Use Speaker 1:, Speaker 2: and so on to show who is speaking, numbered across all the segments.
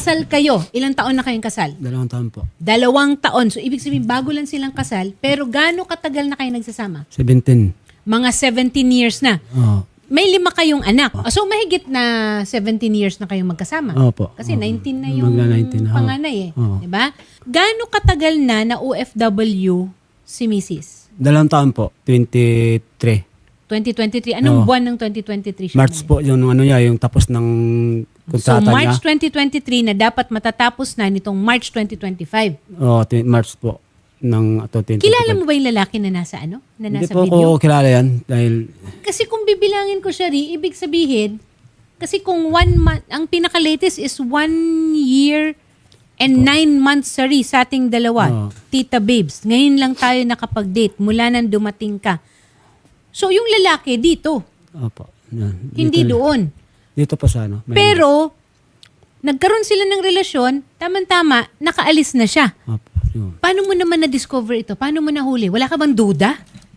Speaker 1: kasal kayo. Ilang taon na kayong kasal?
Speaker 2: 2 taon po.
Speaker 1: 2 taon. So, ibig sabihin, bago lang silang kasal, pero gaano katagal na kayo nagsasama?
Speaker 2: 17.
Speaker 1: Mga 17 years na.
Speaker 2: Oo.
Speaker 1: May 5 kayong anak. So, mahigit na 17 years na kayong magkasama.
Speaker 2: Opo.
Speaker 1: Kasi 19 na yung
Speaker 2: Magna-19 na.
Speaker 1: panganay eh.
Speaker 2: Oo.
Speaker 1: Diba? Gaano katagal na OFW si Mrs.?
Speaker 2: 2 taon po. 23.
Speaker 1: 2023. Anong
Speaker 2: Oo.
Speaker 1: buwan ng 2023 siya?
Speaker 2: March po yung ano niya, yung tapos ng
Speaker 1: So,
Speaker 2: kontrata
Speaker 1: March
Speaker 2: niya.
Speaker 1: 2023 na dapat matatapos na nitong March 2025.
Speaker 2: Oo, March po. Ng 2025.
Speaker 1: Kilala mo ba yung lalaki na nasa ano? Na
Speaker 2: Hindi
Speaker 1: nasa
Speaker 2: po
Speaker 1: video?
Speaker 2: ko kilala yan dahil
Speaker 1: Kasi kung bibilangin ko siya ibig sabihin, kasi kung 1 month, ang pinaka-latest is 1 year and 9 months, sorry, sa ating dalawa.
Speaker 2: Oo.
Speaker 1: Tita Babes, ngayon lang tayo nakapag-date mula nang dumating ka. So, yung lalaki dito,
Speaker 2: opo. Yan.
Speaker 1: hindi doon.
Speaker 2: Dito po sa ano. Maynila.
Speaker 1: Pero, nagkaroon sila ng relasyon, tama-tama, nakaalis na siya.
Speaker 2: Opo. Yun.
Speaker 1: Paano mo naman na-discover ito? Paano mo nahuli? Wala ka bang duda?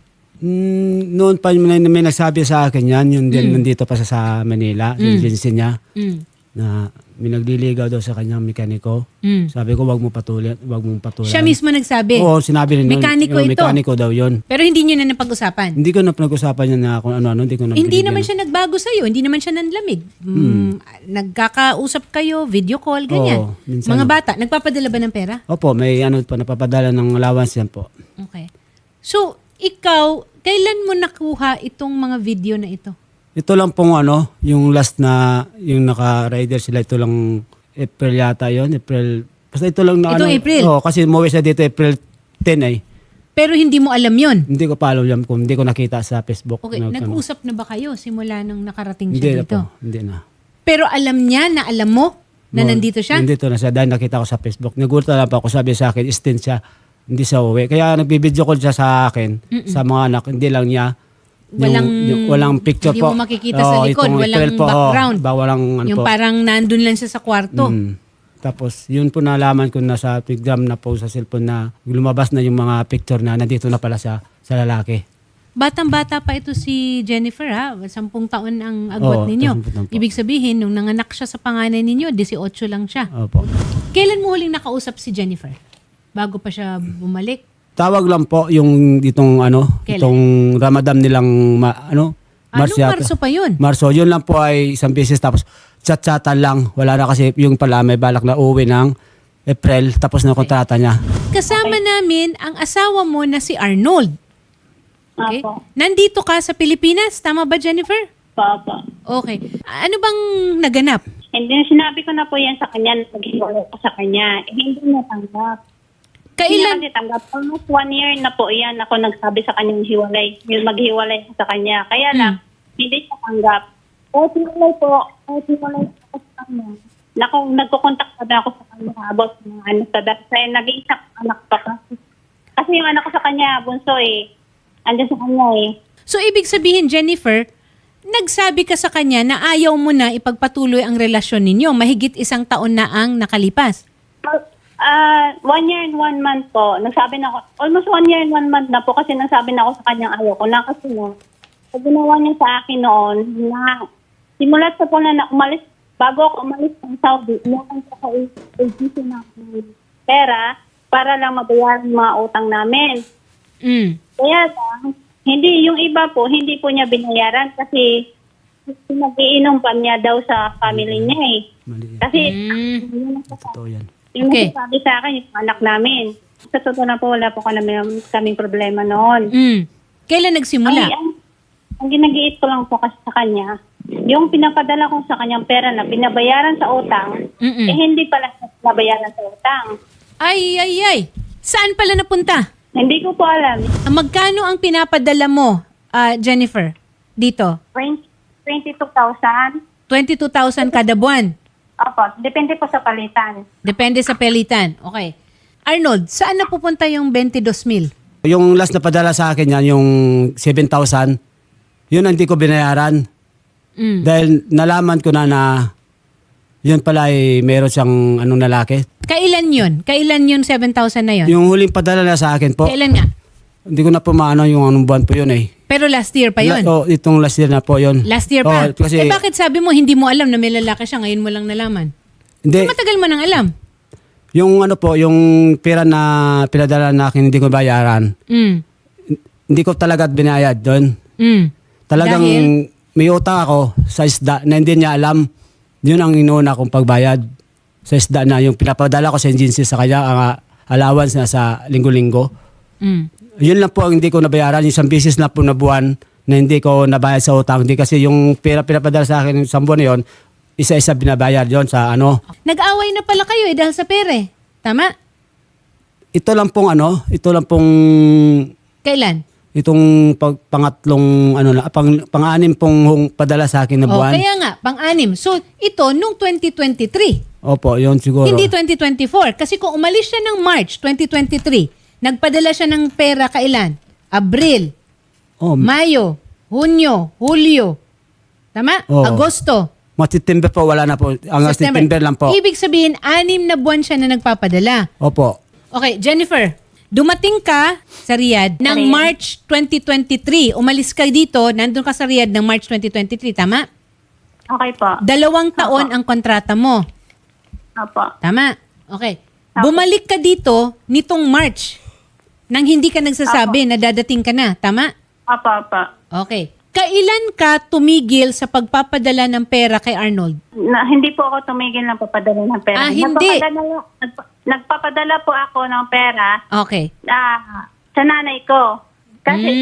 Speaker 2: Noon pa may nagsabi sa akin yan, yung nandito pa sa Manila, yung agency niya, na may nagliligaw daw sa kanyang mekaniko. Sabi ko, wag mong patulan.
Speaker 1: Siya mismo nagsabi.
Speaker 2: Oo, sinabi rin.
Speaker 1: Mekaniko ito.
Speaker 2: Mekaniko daw yun.
Speaker 1: Pero hindi nyo na napag-usapan.
Speaker 2: Hindi ko na pinag-usapan niya na kung ano-ano. Hindi ko na
Speaker 1: Hindi
Speaker 2: binigyan.
Speaker 1: naman siya nagbago sa'yo. Hindi naman siya nanlamig. Nagkakausap kayo, video call, ganyan.
Speaker 2: Oo, minsan
Speaker 1: Mga
Speaker 2: lang.
Speaker 1: bata, nagpapadala ba ng pera?
Speaker 2: Opo, may ano po, napapadala ng allowance yan po.
Speaker 1: Okay. So, ikaw, kailan mo nakuha itong mga video na ito?
Speaker 2: Ito lang pong ano, yung last na, yung naka-rider sila, ito lang April yata yon April. Basta ito lang na
Speaker 1: Itong April?
Speaker 2: Oo, kasi umuwi siya dito April 10 eh.
Speaker 1: Pero hindi mo alam yon.
Speaker 2: Hindi ko pa alam kung hindi ko nakita sa Facebook.
Speaker 1: Okay,
Speaker 2: na,
Speaker 1: nag-usap na ba kayo simula nung nakarating
Speaker 2: Hindi
Speaker 1: siya
Speaker 2: na
Speaker 1: dito?
Speaker 2: po, hindi na.
Speaker 1: Pero alam niya na alam mo na
Speaker 2: No,
Speaker 1: nandito siya?
Speaker 2: Nandito na siya dahil nakita ko sa Facebook. Nagulat lang pa ako, sabi sa akin, stint siya, hindi siya uwi. Kaya nagbibideo call siya sa akin, sa mga anak, hindi lang niya. Walang picture
Speaker 1: hindi
Speaker 2: po.
Speaker 1: mo makikita sa likod,
Speaker 2: itong
Speaker 1: walang
Speaker 2: April po,
Speaker 1: background.
Speaker 2: Walang ano
Speaker 1: Yung
Speaker 2: po.
Speaker 1: parang nandun lang siya sa kwarto.
Speaker 2: Tapos, yun po nalaman ko na sa Telegram na po sa cellphone na lumabas na yung mga picture na nandito na pala siya sa lalaki.
Speaker 1: Batang-bata pa ito si Jennifer ha. 10 taon ang agwat
Speaker 2: Oo,
Speaker 1: ninyo.
Speaker 2: 10 taon po.
Speaker 1: Ibig sabihin, nung nanganak siya sa panganay ninyo, 18 lang siya.
Speaker 2: Opo.
Speaker 1: Kailan mo huling nakausap si Jennifer? Bago pa siya bumalik?
Speaker 2: Tawag lang po yung itong
Speaker 1: Kailan?
Speaker 2: itong Ramadan nilang March
Speaker 1: Anong
Speaker 2: yata.
Speaker 1: Marso pa yun?
Speaker 2: Marso, yun lang po ay isang beses tapos chat-chatan lang. Wala na kasi yung pala may balak na uwi ng April tapos na kontrata niya.
Speaker 1: Kasama namin ang asawa mo na si Arnold. Okay?
Speaker 3: Apo.
Speaker 1: Nandito ka sa Pilipinas, tama ba Jennifer?
Speaker 3: Papa.
Speaker 1: Okay. Ano bang naganap?
Speaker 3: And then, sinabi ko na po yan sa kanya, naghiwalay ko sa kanya. Eh, hindi niya tanggap. Hindi
Speaker 1: Kailan?
Speaker 3: niya kasi tanggap. Almost 1 year na po yan ako nagsabi sa kanyang hiwalay. Yung maghiwalay sa kanya. Kaya lang, hindi siya tanggap. Kahit hiwalay ako sa kanya. Nagkukontak pa ako sa kanya about mga ano sa dahil nag-iisang anak pa kasi. Kasi yung anak ko sa kanya, bunso andyan sa kanya
Speaker 1: So, ibig sabihin, Jennifer, nagsabi ka sa kanya na ayaw mo na ipagpatuloy ang relasyon ninyo. Mahigit 1 taon na ang nakalipas.
Speaker 3: 1 year and 1 month po. Nagsabi na ako, almost 1 year and 1 month na po kasi nagsabi na ako sa kanyang ayaw ko na kasi na, pag ginawa niya sa akin noon, na simulat sa po na umalis, bago ako umalis ng Saudi, inakan sa agency na pera para lang mabayaran yung mga utang namin. Kaya lang, hindi, yung iba po, hindi po niya binayaran kasi nag-iinom pa niya daw sa family niya
Speaker 2: Mali.
Speaker 3: Kasi,
Speaker 2: Totoo yan.
Speaker 3: yung
Speaker 1: Okay.
Speaker 3: sabi sa akin, yung anak namin. Sa totoo na po, wala po kaming problema noon.
Speaker 1: Kailan nagsimula?
Speaker 3: Ang ginagiit ko lang po kasi sa kanya, yung pinapadala ko sa kanyang pera na binabayaran sa utang, hindi pala nabayaran sa utang.
Speaker 1: Ay. Saan pala napunta?
Speaker 3: Hindi ko po alam.
Speaker 1: Magkano ang pinapadala mo, Jennifer, dito?
Speaker 3: 22,000.
Speaker 1: 22,000 kada buwan.
Speaker 3: Opo, depende po sa palitan.
Speaker 1: Depende sa pelitan. Okay. Arnold, saan napupunta yung 22,000?
Speaker 2: Yung last na padala sa akin yan, yung 7,000, yun hindi ko binayaran. Dahil nalaman ko na yun pala ay meron siyang lalaki.
Speaker 1: Kailan yun? Kailan yun 7,000 na yun?
Speaker 2: Yung huling padala na sa akin po,
Speaker 1: Kailan nga?
Speaker 2: hindi ko na po maano yung anong buwan po yun eh.
Speaker 1: Pero last year pa yun?
Speaker 2: Itong last year na po yun.
Speaker 1: Last year pa?
Speaker 2: Kasi,
Speaker 1: Bakit sabi mo hindi mo alam na may lalaki siya, ngayon mo lang nalaman?
Speaker 2: Hindi,
Speaker 1: Matagal mo nang alam.
Speaker 2: yung ano po, yung pera na pinadala na akin, hindi ko bayaran. Hindi ko talaga binayad doon. Talagang
Speaker 1: Dahil?
Speaker 2: may utang ako sa isda na hindi niya alam. Yun ang inuuna kong pagbayad sa isda na yung pinapadala ko sa agency sa kanya, ang allowance na sa linggo-linggo. Yun lang po ang hindi ko nabayaran. Isang beses na po na buwan na hindi ko nabayad sa utang. Hindi kasi yung pera pinapadala sa akin sa buwan na yun, isa-isa binabayad yon sa ano.
Speaker 1: Nag-away na pala kayo dahil sa pere. Tama?
Speaker 2: Ito lang pong
Speaker 1: Kailan?
Speaker 2: itong pangatlong pang-anim pong padala sa akin na
Speaker 1: Oh,
Speaker 2: buwan.
Speaker 1: kaya nga, pang-anim. So, ito nung 2023.
Speaker 2: Opo, yun siguro.
Speaker 1: Hindi 2024. Kasi kung umalis siya ng March 2023, nagpadala siya ng pera kailan? Abril,
Speaker 2: Oh,
Speaker 1: Mayo, Hunyo, Hulyo. Tama?
Speaker 2: Oo.
Speaker 1: Agosto.
Speaker 2: September po, wala na po. Hanggang September lang po.
Speaker 1: Ibig sabihin, 6 na buwan siya na nagpapadala.
Speaker 2: Opo.
Speaker 1: Okay, Jennifer, dumating ka sa Riyadh ng
Speaker 3: Okay.
Speaker 1: March 2023. Umalis ka dito, nandun ka sa Riyadh ng March 2023, tama?
Speaker 3: Okay po.
Speaker 1: 2 taon ang kontrata mo.
Speaker 3: Opo.
Speaker 1: Tama? Okay. Bumalik ka dito nitong March nang hindi ka nagsasabi na dadating ka na. Tama?
Speaker 3: Opo.
Speaker 1: Okay. Kailan ka tumigil sa pagpapadala ng pera kay Arnold?
Speaker 3: Hindi po ako tumigil ng papadala ng pera.
Speaker 1: Hindi.
Speaker 3: Nagpapadala po ako ng pera
Speaker 1: Okay.
Speaker 3: sa nanay ko. Kasi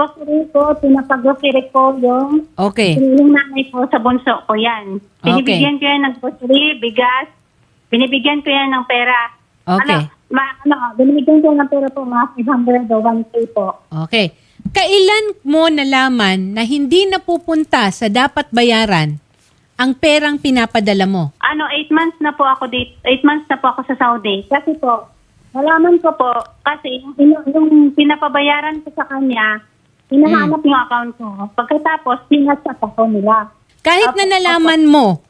Speaker 3: pinapag-grocery ko yung
Speaker 1: Okay.
Speaker 3: yung nanay ko sa bunso ko yan. Binibigyan ko yan ng grocery, bigas, binibigyan ko yan ng pera.
Speaker 1: Okay.
Speaker 3: Binibigyan ko ng pera po mga 500 o 1K po.
Speaker 1: Okay. Kailan mo nalaman na hindi napupunta sa dapat bayaran ang perang pinapadala mo?
Speaker 3: 8 months na po ako dito. 8 months na po ako sa Saudi. Kasi po, nalaman ko po, kasi yung pinapabayaran ko sa kanya, hinahanap yung account ko. Pagkatapos, sinasat ako nila.
Speaker 1: Kahit na nalaman mo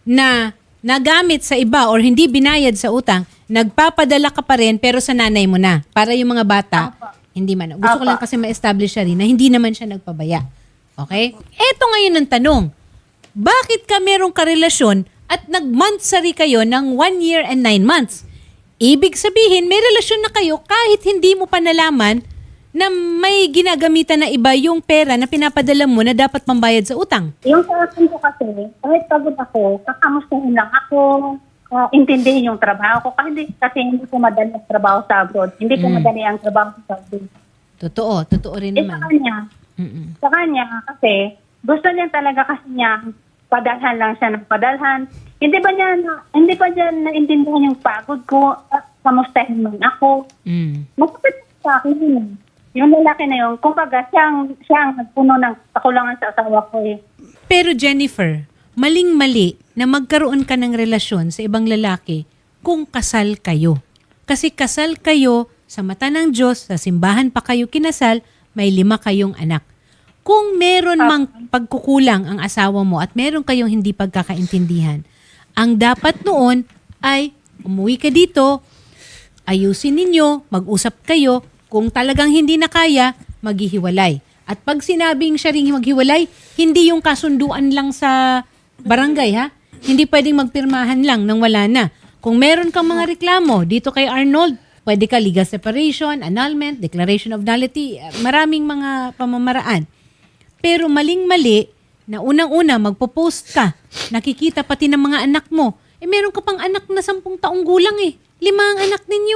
Speaker 1: na nagamit sa iba or hindi binayad sa utang, nagpapadala ka pa rin pero sa nanay mo na. Para yung mga bata, hindi man. Gusto ko lang kasi ma-establish siya rin na hindi naman siya nagpabaya. Okay? Eto ngayon ang tanong. Bakit ka merong karelasyon at nag-monthsary kayo ng 1 year and 9 months? Ibig sabihin, may relasyon na kayo kahit hindi mo pa nalaman na may ginagamitan na iba yung pera na pinapadala mo na dapat pambayad sa utang.
Speaker 3: Yung sa akin ko kasi, kahit pagod ako, kakamustahin lang ako, intindihin yung trabaho ko. Kasi hindi ko madali ang trabaho sa abroad. Hindi ko madali ang trabaho sa Saudi.
Speaker 1: Totoo rin
Speaker 3: Sa
Speaker 1: naman.
Speaker 3: kanya,
Speaker 1: Mm-mm.
Speaker 3: sa kanya kasi, gusto niya talaga kasi niya, padalhan lang siya ng padalhan. Hindi ba niya naintindihan yung pagod ko, kamustahin man ako. Masakit sa akin yun. Yung lalaki na yun, kumbaga, siya ang nagpuno ng kakulangan sa asawa ko eh.
Speaker 1: Pero Jennifer, maling-mali na magkaroon ka ng relasyon sa ibang lalaki kung kasal kayo. Kasi kasal kayo sa mata ng Diyos, sa simbahan pa kayo kinasal, may 5 kayong anak. Kung meron mang pagkukulang ang asawa mo at meron kayong hindi pagkakaintindihan, ang dapat noon ay umuwi ka dito, ayusin ninyo, mag-usap kayo, kung talagang hindi na kaya, maghihiwalay. At pag sinabing siya ring maghiwalay, hindi yung kasunduan lang sa barangay ha. Hindi pwedeng magpirmahan lang nang wala na. Kung meron kang mga reklamo dito kay Arnold, pwede ka legal separation, annulment, declaration of nullity, maraming mga pamamaraan. Pero maling-mali na unang-una magpo-post ka, nakikita pati ng mga anak mo. Meron ka pang anak na 10 taong gulang 5 ang anak ninyo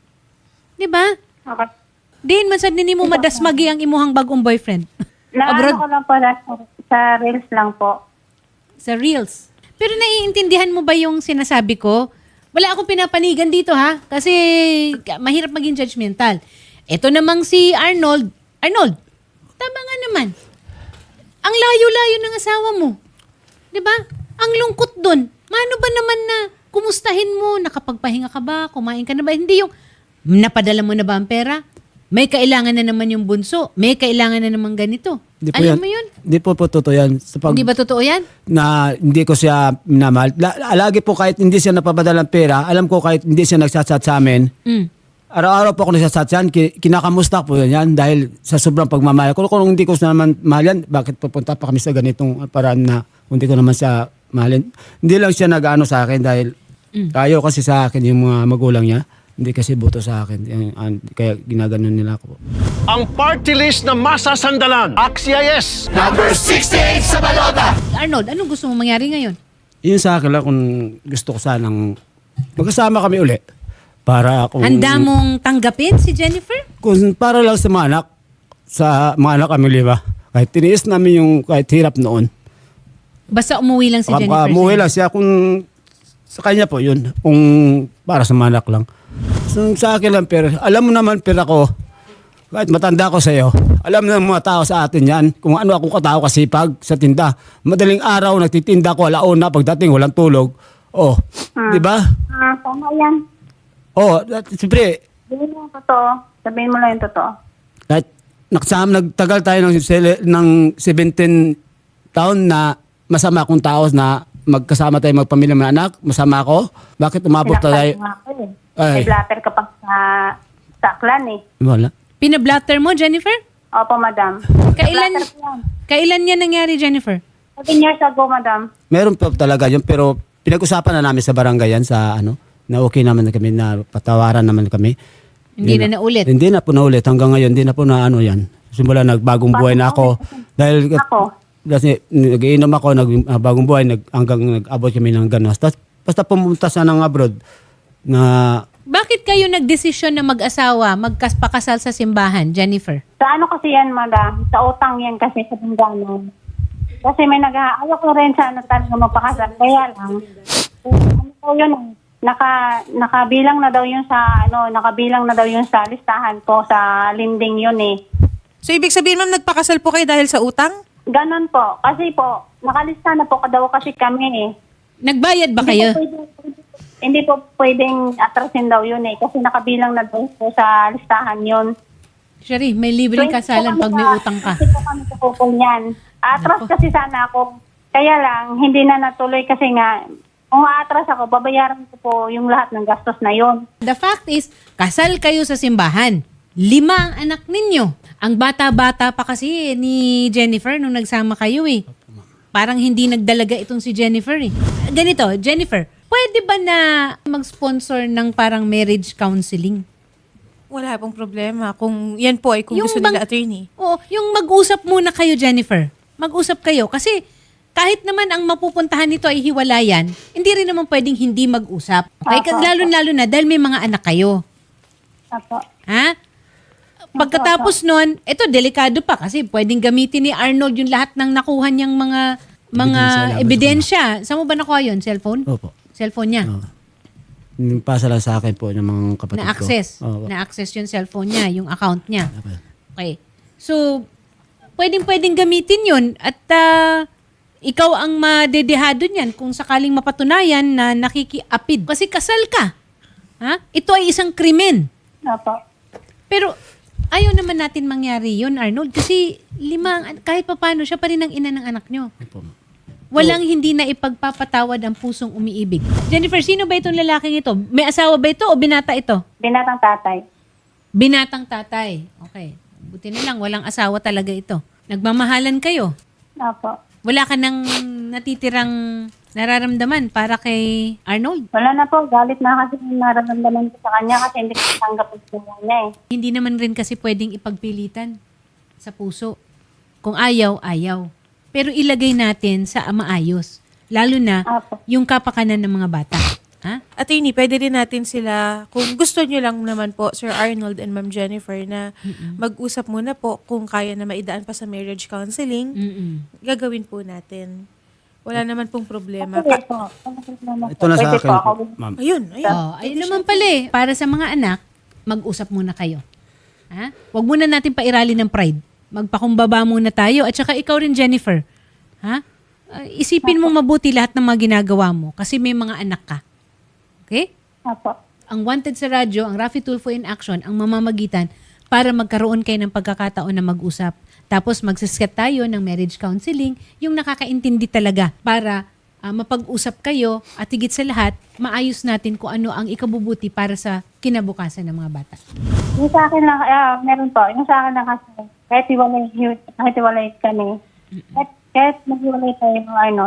Speaker 1: 'Di ba?
Speaker 3: Okay.
Speaker 1: Din man sad nini mo madasmagi ang imuhang bagong boyfriend.
Speaker 3: Naano ko lang pala sa reels lang po.
Speaker 1: Sa Reels. Pero naiintindihan mo ba yung sinasabi ko? Wala akong pinapanigan dito ha. Kasi mahirap maging judgmental. Ito namang si Arnold. Arnold, tama nga naman. Ang layo-layo ng asawa mo. 'Di ba? Ang lungkot dun. Mano ba naman na kumustahin mo? Nakapagpahinga ka ba? Kumain ka na ba? Hindi yung napadala mo na ba ang pera? May kailangan na naman yung bunso. May kailangan na naman ganito. Alam mo yun?
Speaker 2: Di po totoo yan.
Speaker 1: Hindi ba totoo yan?
Speaker 2: Na hindi ko siya minamahal. Lagi po kahit hindi siya napapadala ng pera, alam ko kahit hindi siya nagsasat sa amin, araw-araw po ako nagsasat yan, kinakamusta po yan dahil sa sobrang pagmamahal. Kung hindi ko siya naman mahal yan, bakit pupunta pa kami sa ganitong paraan na hindi ko naman siya mahalin. Hindi lang siya nag-ano sa akin dahil Tayo kasi sa akin yung mga magulang niya, hindi kasi boto sa akin. Kaya ginaganon nila ako.
Speaker 4: Ang party list na masasandalan. Axia yes!
Speaker 1: Arnold, anong gusto mo mangyari ngayon?
Speaker 2: Yun sa akin lang kung gusto ko sanang magkasama kami uli. Para kung...
Speaker 1: Handa mong tanggapin si Jennifer?
Speaker 2: Kung para lang sa mga anak. Sa mga anak kami, di ba? Kahit tiniis namin yung kahit hirap noon.
Speaker 1: Basta umuwi lang si Jennifer.
Speaker 2: Umuwi lang siya kung sa kanya po yun. Kung para sa mga anak lang. So, sa akin lang, pero alam mo naman, pero ako, kahit matanda ko sa iyo, alam ng mga tao sa atin yan, kung ano ako katao kasipag sa tinda. Madaling araw, nagtitinda ko, alauna, pagdating, walang tulog. Oh, di ba?
Speaker 3: Tama yan.
Speaker 2: Oh, siyempre,
Speaker 3: Sabihin mo yung totoo. Sabihin mo lang yung totoo.
Speaker 2: kahit nagtagal tayo ng 17 taon na masama akong tao na magkasama tayo magpamilya mga anak, masama ako. Bakit umabot tayo?
Speaker 3: Sinaktan mo ako eh.
Speaker 2: Ay.
Speaker 3: May blatter ka pa sa aklan eh.
Speaker 2: Wala.
Speaker 1: Pinablatter mo, Jennifer?
Speaker 3: Opo, madam.
Speaker 1: Kailan,
Speaker 3: Blatter ko yan.
Speaker 1: kailan yan nangyari, Jennifer?
Speaker 3: 7 years ago, madam.
Speaker 2: Meron pa talaga yun, pero pinag-usapan na namin sa barangay yan sa na okay naman na kami, na patawaran naman kami.
Speaker 1: Hindi na naulit.
Speaker 2: Hindi na po naulit. Hanggang ngayon, hindi na po na yan. Simula nagbagong buhay na ako. Dahil
Speaker 3: Ako.
Speaker 2: kasi nag-iinom ako, bagong buhay, hanggang nag-abot kami ng ganos. Basta pumunta siya ng abroad na
Speaker 1: Bakit kayo nagdesisyon na mag-asawa, magpakasal sa simbahan, Jennifer?
Speaker 3: Sa ano kasi yan, madam? Sa utang yan kasi sa bingganan. Kasi may ayaw ko rin sa talaga mapakasal. Kaya lang, ano po yun, nakabilang na daw yun sa, nakabilang na daw yun sa listahan ko, sa linding yun eh.
Speaker 5: So, ibig sabihin, ma'am, nagpakasal po kayo dahil sa utang?
Speaker 3: Ganon po. Kasi po, nakalista na po daw kasi kami eh.
Speaker 1: Nagbayad ba kayo?
Speaker 3: Hindi po pwedeng atrasin daw yun eh. Kasi nakabilang na daw po sa listahan yun.
Speaker 1: Sherry, may libreng kasalan pag may utang ka.
Speaker 3: Kasi po kami kupupol niyan. Atras kasi sana ako. Kaya lang, hindi na natuloy kasi nga, kung atras ako, babayaran ko po yung lahat ng gastos na yun.
Speaker 1: The fact is, kasal kayo sa simbahan. 5 ang anak ninyo. Ang bata-bata pa kasi ni Jennifer nung nagsama kayo eh. Parang hindi nagdalaga itong si Jennifer eh. Ganito, Jennifer, pwede ba na mag-sponsor ng parang marriage counseling?
Speaker 5: Wala pong problema. Kung yan po ay kung
Speaker 1: Yung
Speaker 5: gusto
Speaker 1: bang-
Speaker 5: nila, attorney.
Speaker 1: Oo, yung mag-usap muna kayo, Jennifer. Mag-usap kayo. Kasi kahit naman ang mapupuntahan nito ay hiwalayan, hindi rin naman pwedeng hindi mag-usap. Okay?
Speaker 3: Apo.
Speaker 1: Lalo-lalo na dahil may mga anak kayo.
Speaker 3: Apo.
Speaker 1: Ha? Pagkatapos nun, ito delikado pa kasi pwedeng gamitin ni Arnold yung lahat ng nakuha niyang mga ebidensya. Saan mo ba nakuha yun? Cellphone?
Speaker 2: Opo.
Speaker 1: Cellphone niya?
Speaker 2: Pasa lang sa akin po ng mga kapatid ko.
Speaker 1: Na-access.
Speaker 2: Opo.
Speaker 1: Na-access yung cellphone niya, yung account niya.
Speaker 2: Okay.
Speaker 1: Okay. So, pwedeng gamitin yun at ikaw ang madedehado niyan kung sakaling mapatunayan na nakikiapid. Kasi kasal ka. Ha? Ito ay isang krimen.
Speaker 3: Apo.
Speaker 1: Pero ayaw naman natin mangyari yun, Arnold. Kasi kahit papano, siya pa rin ang ina ng anak nyo.
Speaker 2: Opo.
Speaker 1: Walang hindi na ipagpapatawad ang pusong umiibig. Jennifer, sino ba itong lalaking ito? May asawa ba ito o binata ito?
Speaker 3: Binatang tatay.
Speaker 1: Binatang tatay. Okay. Buti na lang, walang asawa talaga ito. Nagmamahalan kayo.
Speaker 3: Apo.
Speaker 1: Wala ka nang natitirang nararamdaman para kay Arnold.
Speaker 3: Wala na po. Galit na kasi yung nararamdaman ko sa kanya kasi hindi ko tanggap ang sinawa niya eh.
Speaker 1: Hindi naman rin kasi pwedeng ipagpilitan sa puso. Kung ayaw, ayaw. Pero ilagay natin sa maayos. Lalo na
Speaker 3: Apo.
Speaker 1: yung kapakanan ng mga bata. Ha?
Speaker 5: Attorney, pwede rin natin sila, kung gusto nyo lang naman po, Sir Arnold and Ma'am Jennifer, na mag-usap muna po kung kaya na maidaan pa sa marriage counseling, gagawin po natin. Wala naman pong problema.
Speaker 3: Pwede po.
Speaker 2: Ito na sa
Speaker 3: Pwede
Speaker 2: akin
Speaker 3: po
Speaker 2: po,
Speaker 3: ako.
Speaker 2: ma'am.
Speaker 5: Ayun, ayun.
Speaker 1: Oh, ayun naman pala eh. Para sa mga anak, mag-usap muna kayo. Ha? Huwag muna natin pairali ng pride. Magpakumbaba muna tayo. At saka ikaw rin, Jennifer. Ha? Isipin mo mabuti lahat ng mga ginagawa mo kasi may mga anak ka. Okay?
Speaker 3: Apo.
Speaker 1: Ang wanted sa radyo, ang Raffy Tulfo in Action, ang mamamagitan para magkaroon kayo ng pagkakataon na mag-usap. Tapos magsisket tayo ng marriage counseling, yung nakakaintindi talaga para mapag-usap kayo at higit sa lahat, maayos natin kung ano ang ikabubuti para sa kinabukasan ng mga bata.
Speaker 3: Yung sa akin lang, meron po. Yung sa akin lang kasi, kahit iwalay kami, kahit maghiwalay tayo ng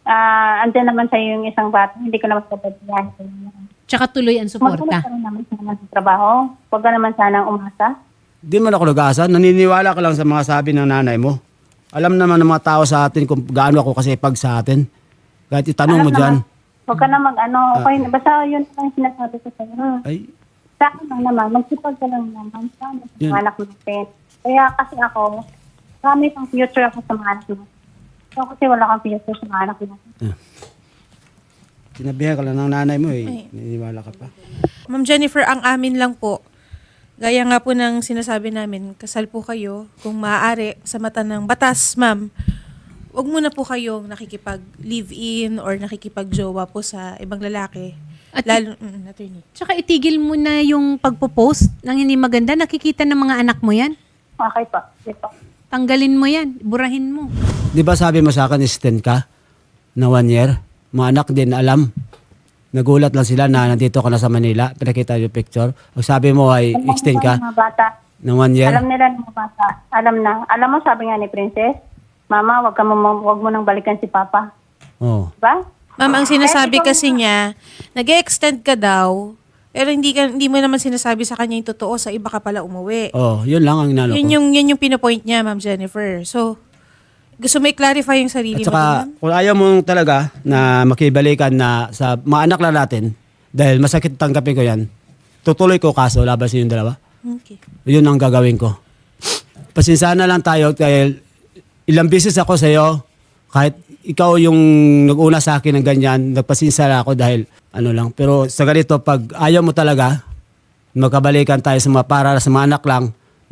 Speaker 3: andyan naman sa'yo yung isang bata, hindi ko naman papabayaan.
Speaker 1: Tsaka tuloy ang suporta.
Speaker 3: Magkaroon ka rin naman sana sa trabaho. Huwag ka naman sanang umasa.
Speaker 2: Di man ako nag-asa. Naniniwala ka lang sa mga sabi ng nanay mo. Alam naman ng mga tao sa atin kung gaano ako kasipag sa atin. Kahit itanong mo dyan.
Speaker 3: Huwag ka na okay, basta yun lang sinasabi ko sa'yo.
Speaker 2: Ay,
Speaker 3: Sa akin lang naman, magsipag ka lang naman sa
Speaker 2: Yun.
Speaker 3: mga anak natin. Kaya kasi ako, marami pang future ako sa mga anak natin. So, kasi wala kang future sa mga anak natin.
Speaker 2: sinabihan ka lang ng nanay mo eh. Naniniwala ka pa.
Speaker 5: Ma'am Jennifer, ang amin lang po, gaya nga po ng sinasabi namin, kasal po kayo, kung maaari, sa mata ng batas, ma'am, wag muna po kayong nakikipag-live-in or nakikipag-jowa po sa ibang lalaki.
Speaker 1: At-
Speaker 5: Lalo, attorney.
Speaker 1: Tsaka itigil mo na yung pagpo-post ng hindi maganda. Nakikita ng mga anak mo yan.
Speaker 3: Okay pa. Okay pa.
Speaker 1: Tanggalin mo yan. Burahin mo.
Speaker 2: Di ba sabi mo sa akin, extend ka na 1 year? Mga anak din alam. Nagulat lang sila na nandito ka na sa Manila. Pinakita yung picture. Ang sabi mo ay extend ka
Speaker 3: Mga bata,
Speaker 2: ng 1 year.
Speaker 3: alam nila ng mga bata. Alam na. Alam mo, sabi nga ni Princess, Mama, wag mo nang balikan si Papa.
Speaker 2: Oh.
Speaker 3: Diba?
Speaker 5: Ma'am, ang sinasabi kasi niya, nag-extend ka daw, pero hindi mo naman sinasabi sa kanya yung totoo, sa iba ka pala umuwi.
Speaker 2: Oh, yun lang ang inano ko.
Speaker 5: Yun yung pinopoint niya, Ma'am Jennifer. So, gusto mo i-clarify yung sarili
Speaker 2: At
Speaker 5: mo,
Speaker 2: saka,
Speaker 5: ma'am?
Speaker 2: kung ayaw mo talaga na makibalikan na sa mga anak lang natin, dahil masakit tanggapin ko yan, tutuloy ko kaso laban sa yung dalawa.
Speaker 5: Okay.
Speaker 2: Yun ang gagawin ko. Pasensya na lang tayo dahil ilang beses ako sa iyo, kahit ikaw yung nag-una sa akin ng ganyan, nagpasensya ako dahil ano lang. Pero sa ganito, pag ayaw mo talaga, magkabalikan tayo sa mga para sa mga anak lang,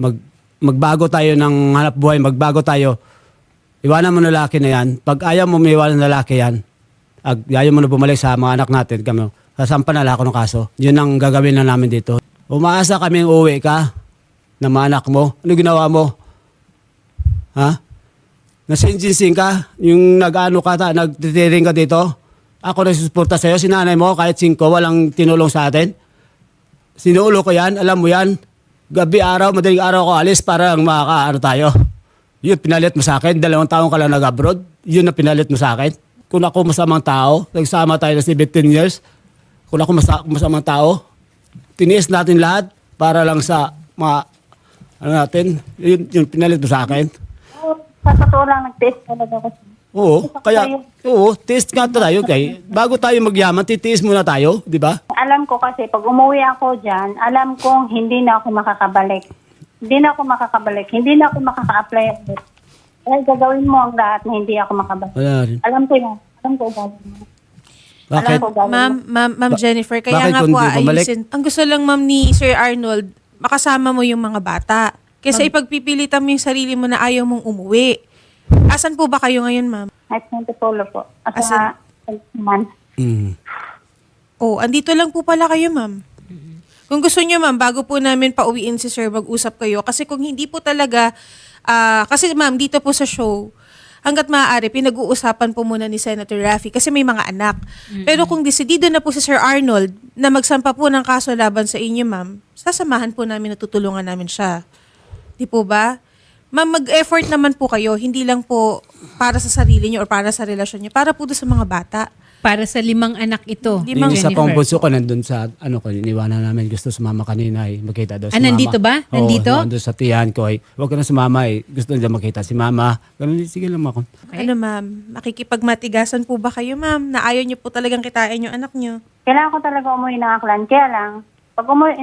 Speaker 2: magbago tayo ng hanap buhay, magbago tayo, iwanan mo na lalaki na yan. Pag ayaw mo may iwanan na lalaki yan, ayaw mo na bumalik sa mga anak natin, kami, sasampan na lang ako ng kaso. Yun ang gagawin na namin dito. Umaasa kaming uwi ka ng mga anak mo. Ano ginawa mo? Ha? Nasinjinsing ka? Yung nag-ano ka, nagtitiring ka dito? Ako nagsusuporta sa'yo, si nanay mo, kahit 5, walang tinulong sa atin. Sinuulo ko yan, alam mo yan. Gabi araw, madaling araw ako alis para makakaano tayo. Yun, pinalit mo sa akin. 2 taon ka lang nag-abroad. Yun na pinalit mo sa akin. Kung ako masamang tao, nagsama tayo na 17 years. Kung ako masamang tao, tiniis natin lahat para lang sa mga, ano natin, yun pinalit mo sa akin.
Speaker 3: Sa totoo lang, nag-test talaga ako.
Speaker 2: Oo, test nga tayo. Bago tayo magyaman, titiis muna tayo, di ba?
Speaker 3: Alam ko kasi, pag umuwi ako dyan, alam kong hindi na ako makakabalik. Hindi na ako makaka-apply ulit. Kaya gagawin mo ang lahat na hindi ako makabalik.
Speaker 2: Wala rin.
Speaker 3: Alam ko yan. Alam ko gagawin mo.
Speaker 2: Bakit?
Speaker 3: Alam ko gagawin mo.
Speaker 5: Ma'am Jennifer, kaya
Speaker 2: bakit
Speaker 5: nga
Speaker 2: kung
Speaker 5: po
Speaker 2: di bumalik?
Speaker 5: ayusin. Ang gusto lang, ma'am, ni Sir Arnold, makasama mo yung mga bata. Kaysa ipagpipilitan mo yung sarili mo na ayaw mong umuwi. Asan po ba kayo ngayon, ma'am?
Speaker 3: At Montepolo po. At
Speaker 5: Asan?
Speaker 3: sa man.
Speaker 5: Oh, andito lang po pala kayo, ma'am. Kung gusto niyo, ma'am, bago po namin pauwiin si Sir, mag-usap kayo. Kasi kung hindi po talaga, kasi ma'am, dito po sa show, hanggat maaari, pinag-uusapan po muna ni Senator Raffy kasi may mga anak. Pero kung desidido na po si Sir Arnold na magsampa po ng kaso laban sa inyo, ma'am, sasamahan po namin, natutulungan namin siya. Di po ba? Ma'am, mag-effort naman po kayo, hindi lang po para sa sarili niyo or para sa relasyon niyo, para po doon sa mga bata.
Speaker 1: Para sa 5 anak ito.
Speaker 2: Yung isa
Speaker 1: Jennifer.
Speaker 2: pang bunso ko nandun sa, iniwanan namin. Gusto sumama kanina eh. Makita daw si mama.
Speaker 1: Nandito ba? Nandito?
Speaker 2: Oo, nandun sa tiyan ko eh. Huwag ka na sumama eh. Gusto nila makita si mama. Ganun, sige lang ako.
Speaker 1: Okay.
Speaker 5: Ano, ma'am? Makikipagmatigasan po ba kayo, ma'am? Na ayaw niyo po talagang kitain yung anak niyo?
Speaker 3: Kailangan ko talaga umuwi ng Aklan. Kaya lang, pag umuwi,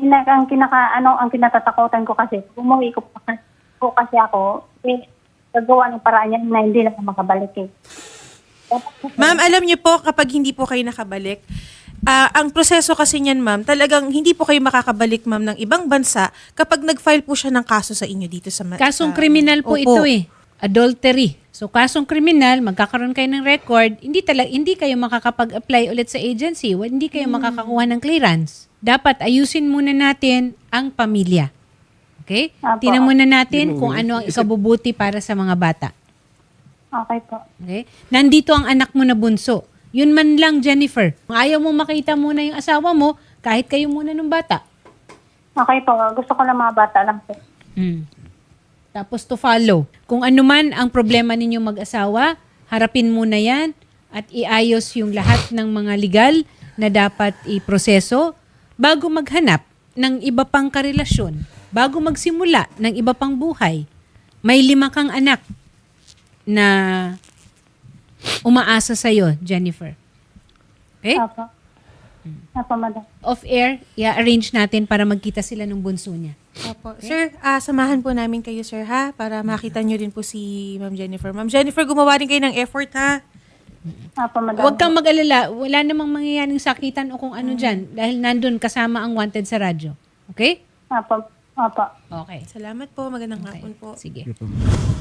Speaker 3: ang kinatatakutan ko kasi, pag umuwi ko kasi ako, gagawa ng paraan yan na hindi na ako makabalik eh.
Speaker 5: Ma'am, alam niyo po, kapag hindi po kayo nakabalik, ang proseso kasi niyan, ma'am, talagang hindi po kayo makakabalik, ma'am, ng ibang bansa kapag nag-file po siya ng kaso sa inyo dito sa...
Speaker 1: Kasong kriminal po
Speaker 5: Opo.
Speaker 1: ito eh. Adultery. So kasong kriminal, magkakaroon kayo ng record, hindi kayo makakapag-apply ulit sa agency, hindi kayo makakakuha ng clearance. Dapat ayusin muna natin ang pamilya. Okay?
Speaker 3: Apo.
Speaker 1: Tingnan muna natin kung ano ang ikabubuti para sa mga bata.
Speaker 3: Okay po.
Speaker 1: Okay? Nandito ang anak mo na bunso. Yun man lang, Jennifer. Kung ayaw mo makita muna yung asawa mo, kahit kayo muna ng bata.
Speaker 3: Okay po. Gusto ko lang mga bata lang po.
Speaker 1: Tapos to follow. Kung ano man ang problema ninyo mag-asawa, harapin muna yan at iayos yung lahat ng mga legal na dapat iproseso bago maghanap ng iba pang karelasyon, bago magsimula ng iba pang buhay. May 5 kang anak na umaasa sa'yo, Jennifer. Okay?
Speaker 3: Apo. Apo, madam.
Speaker 1: Off-air, i-arrange natin para magkita sila ng bunso niya.
Speaker 5: Opo. Sir, samahan po namin kayo, sir, ha? Para makita nyo rin po si Ma'am Jennifer. Ma'am Jennifer, gumawa rin kayo ng effort, ha?
Speaker 3: Apo, madam.
Speaker 1: Huwag kang mag-alala. Wala namang mangyayaring sakitan o kung ano dyan dahil nandun kasama ang wanted sa radyo. Okay?
Speaker 3: Apo. Apo.
Speaker 1: Okay.
Speaker 5: Salamat po. Magandang hapon po.
Speaker 1: Sige.
Speaker 2: Sige po.